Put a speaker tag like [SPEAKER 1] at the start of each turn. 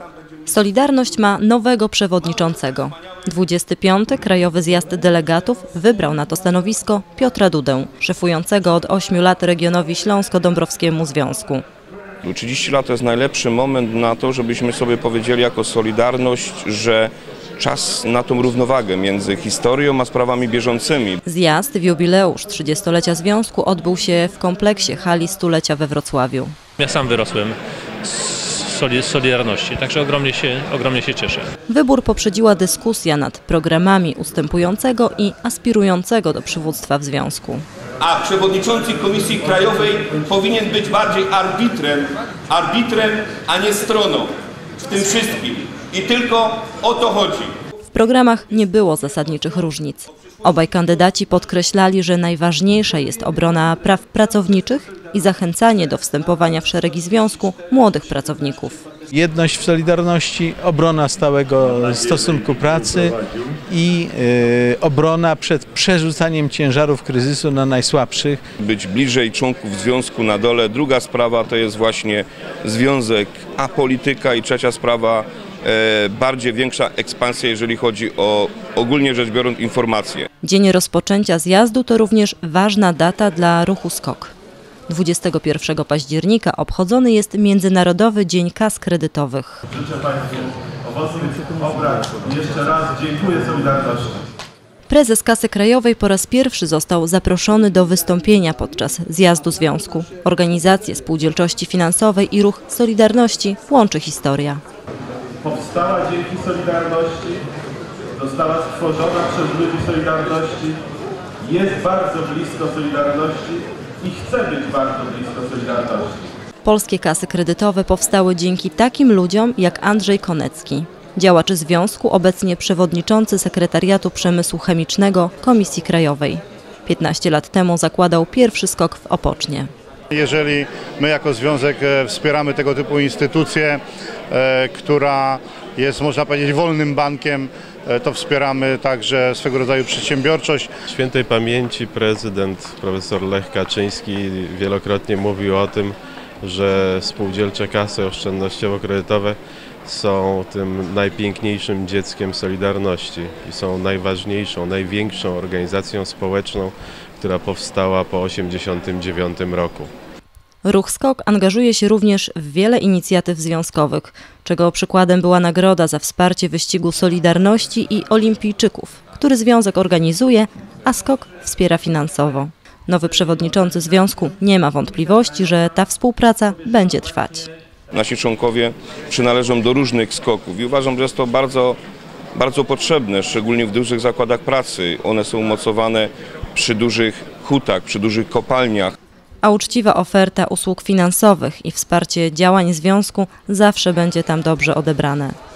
[SPEAKER 1] Solidarność ma nowego przewodniczącego. 25. Krajowy Zjazd Delegatów wybrał na to stanowisko Piotra Dudę, szefującego od 8 lat regionowi Śląsko-Dąbrowskiemu Związku.
[SPEAKER 2] 30 lat to jest najlepszy moment na to, żebyśmy sobie powiedzieli jako Solidarność, że czas na tą równowagę między historią a sprawami bieżącymi.
[SPEAKER 1] Zjazd w jubileusz 30-lecia Związku odbył się w kompleksie hali stulecia we Wrocławiu.
[SPEAKER 3] Ja sam wyrosłem z Solidarności, także ogromnie się cieszę.
[SPEAKER 1] Wybór poprzedziła dyskusja nad programami ustępującego i aspirującego do przywództwa w Związku.
[SPEAKER 4] A przewodniczący Komisji Krajowej powinien być bardziej arbitrem, a nie stroną w tym wszystkim. I tylko o to chodzi.
[SPEAKER 1] W programach nie było zasadniczych różnic. Obaj kandydaci podkreślali, że najważniejsza jest obrona praw pracowniczych i zachęcanie do wstępowania w szeregi związku młodych pracowników.
[SPEAKER 5] Jedność w Solidarności, obrona stałego stosunku pracy i obrona przed przerzucaniem ciężarów kryzysu na najsłabszych.
[SPEAKER 2] Być bliżej członków związku na dole. Druga sprawa to jest właśnie związek, a polityka. I trzecia sprawa, bardziej większa ekspansja, jeżeli chodzi o ogólnie rzecz biorąc informacje.
[SPEAKER 1] Dzień rozpoczęcia zjazdu to również ważna data dla ruchu SKOK. 21 października obchodzony jest Międzynarodowy Dzień Kas Kredytowych.
[SPEAKER 6] Życzę Państwu owocnych obrad. Jeszcze raz dziękuję Solidarności.
[SPEAKER 1] Prezes Kasy Krajowej po raz pierwszy został zaproszony do wystąpienia podczas zjazdu związku. Organizację spółdzielczości finansowej i ruch Solidarności łączy historia.
[SPEAKER 6] Powstała dzięki Solidarności, została stworzona przez ludzi Solidarności, jest bardzo blisko Solidarności i chce być bardzo blisko Solidarności.
[SPEAKER 1] Polskie kasy kredytowe powstały dzięki takim ludziom jak Andrzej Konecki, działacz związku, obecnie przewodniczący Sekretariatu Przemysłu Chemicznego Komisji Krajowej. 15 lat temu zakładał pierwszy SKOK w Opocznie.
[SPEAKER 7] Jeżeli my jako związek wspieramy tego typu instytucję, która jest, można powiedzieć, wolnym bankiem, to wspieramy także swego rodzaju przedsiębiorczość.
[SPEAKER 8] Świętej pamięci prezydent profesor Lech Kaczyński wielokrotnie mówił o tym, że spółdzielcze kasy oszczędnościowo-kredytowe są tym najpiękniejszym dzieckiem Solidarności i są najważniejszą, największą organizacją społeczną, która powstała po 1989 roku.
[SPEAKER 1] Ruch SKOK angażuje się również w wiele inicjatyw związkowych, czego przykładem była nagroda za wsparcie wyścigu Solidarności i olimpijczyków, który związek organizuje, a SKOK wspiera finansowo. Nowy przewodniczący związku nie ma wątpliwości, że ta współpraca będzie trwać.
[SPEAKER 2] Nasi członkowie przynależą do różnych SKOK-ów i uważam, że jest to bardzo potrzebne, szczególnie w dużych zakładach pracy. One są umocowane przy dużych hutach, przy dużych kopalniach.
[SPEAKER 1] A uczciwa oferta usług finansowych i wsparcie działań związku zawsze będzie tam dobrze odebrane.